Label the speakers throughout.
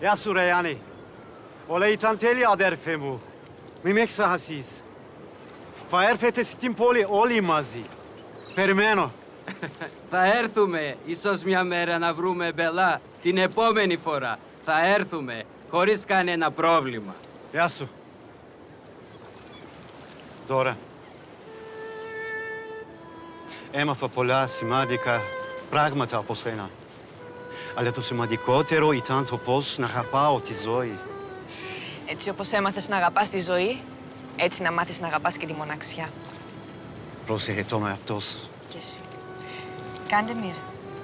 Speaker 1: Ja Surejani. Olei tanteli ader femu. Mimek sahasis. Faerfete stimpoli όλοι μαζί. Περιμένω.
Speaker 2: Θα έρθουμε, ίσως μια μέρα να βρούμε μπελά. Την επόμενη φορά θα έρθουμε, χωρίς κανένα πρόβλημα.
Speaker 1: Γεια σου. Τώρα. Έμαθα πολλά σημαντικά πράγματα από σένα. Αλλά το σημαντικότερο ήταν το πώς να αγαπάω τη ζωή.
Speaker 3: Έτσι όπως έμαθες να αγαπάς τη ζωή, έτσι να μάθεις να αγαπάς και τη μοναξιά.
Speaker 1: Πρόσεχε το με αυτός.
Speaker 3: Κι εσύ. Κάντε μοίρα.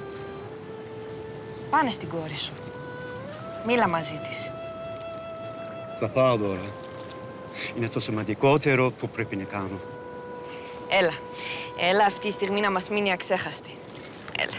Speaker 3: Πάνε στην κόρη σου. Μίλα μαζί της.
Speaker 1: Θα πάω τώρα. Είναι το σημαντικότερο που πρέπει να κάνω.
Speaker 3: Έλα. Έλα αυτή η στιγμή να μας μείνει αξέχαστη. Έλα.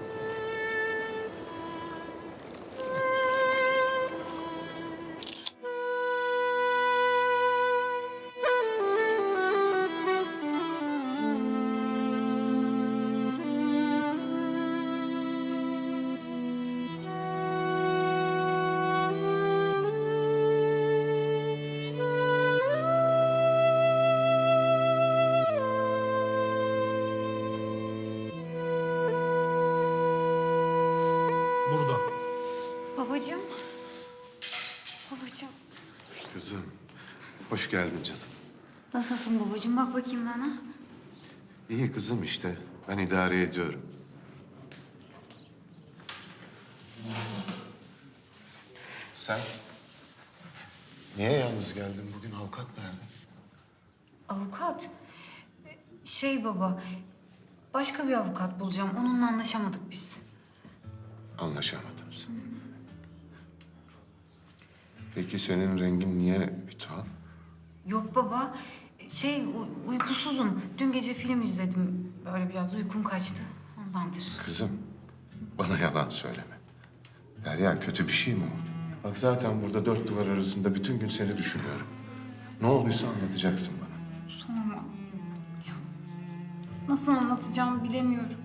Speaker 4: Burada.
Speaker 5: Babacığım. Babacığım.
Speaker 6: Kızım, hoş geldin canım.
Speaker 5: Nasılsın babacığım? Bak bakayım bana.
Speaker 6: İyi kızım işte, ben idare ediyorum. Sen niye yalnız geldin bugün? Avukat nerede?
Speaker 5: Avukat. Baba. Başka bir avukat bulacağım. Onunla anlaşamadık biz.
Speaker 6: Anlaşamadınız. Peki senin rengin niye bir tuhaf?
Speaker 5: Yok baba. Uykusuzum. Dün gece film izledim. Böyle biraz uykum kaçtı. Ondandır.
Speaker 6: Kızım, bana yalan söyleme. Derya, kötü bir şey mi oldu? Bak zaten burada dört duvar arasında bütün gün seni düşünüyorum. Ne olduysa anlatacaksın bana.
Speaker 5: Sorma. Ya, nasıl anlatacağımı bilemiyorum.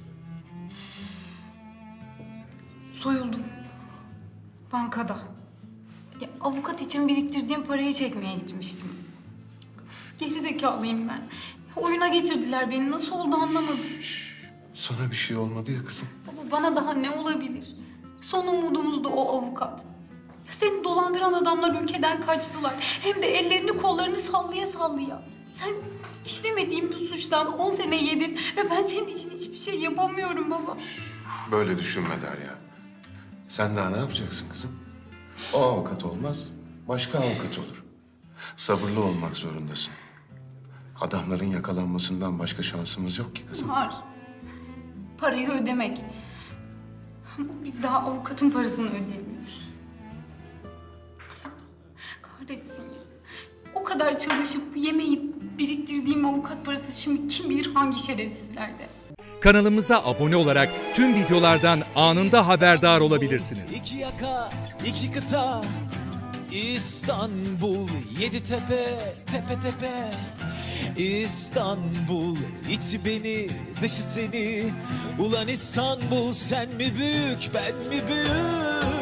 Speaker 5: Soyuldum. Bankada. Ya, avukat için biriktirdiğim parayı çekmeye gitmiştim. Üf, gerizekalıyım ben. Oyuna getirdiler beni. Nasıl oldu anlamadım.
Speaker 6: Sana bir şey olmadı ya kızım.
Speaker 5: Baba bana daha ne olabilir? Son umudumuz da o avukat. Seni dolandıran adamlar ülkeden kaçtılar. Hem de ellerini kollarını sallaya sallaya. Sen işlemediğin bir suçtan 10 sene yedin ve ben senin için hiçbir şey yapamıyorum baba.
Speaker 6: Böyle düşünme Derya. Sen daha ne yapacaksın kızım? O avukat olmaz, başka avukat olur. Sabırlı olmak zorundasın. Adamların yakalanmasından başka şansımız yok ki kızım.
Speaker 5: Var. Parayı ödemek. Ama biz daha avukatın parasını ödeyemiyoruz. Kahretsin ya. O kadar çalışıp yemeyip biriktirdiğim avukat parası şimdi kim bilir hangi şerefsizlerde.
Speaker 7: Kanalımıza abone olarak tüm videolardan anında haberdar olabilirsiniz.
Speaker 8: İki yaka, iki kıta, İstanbul, yedi tepe, tepe tepe. İstanbul, içi beni, dışı seni. Ulan İstanbul, sen mi büyük, ben mi büyük?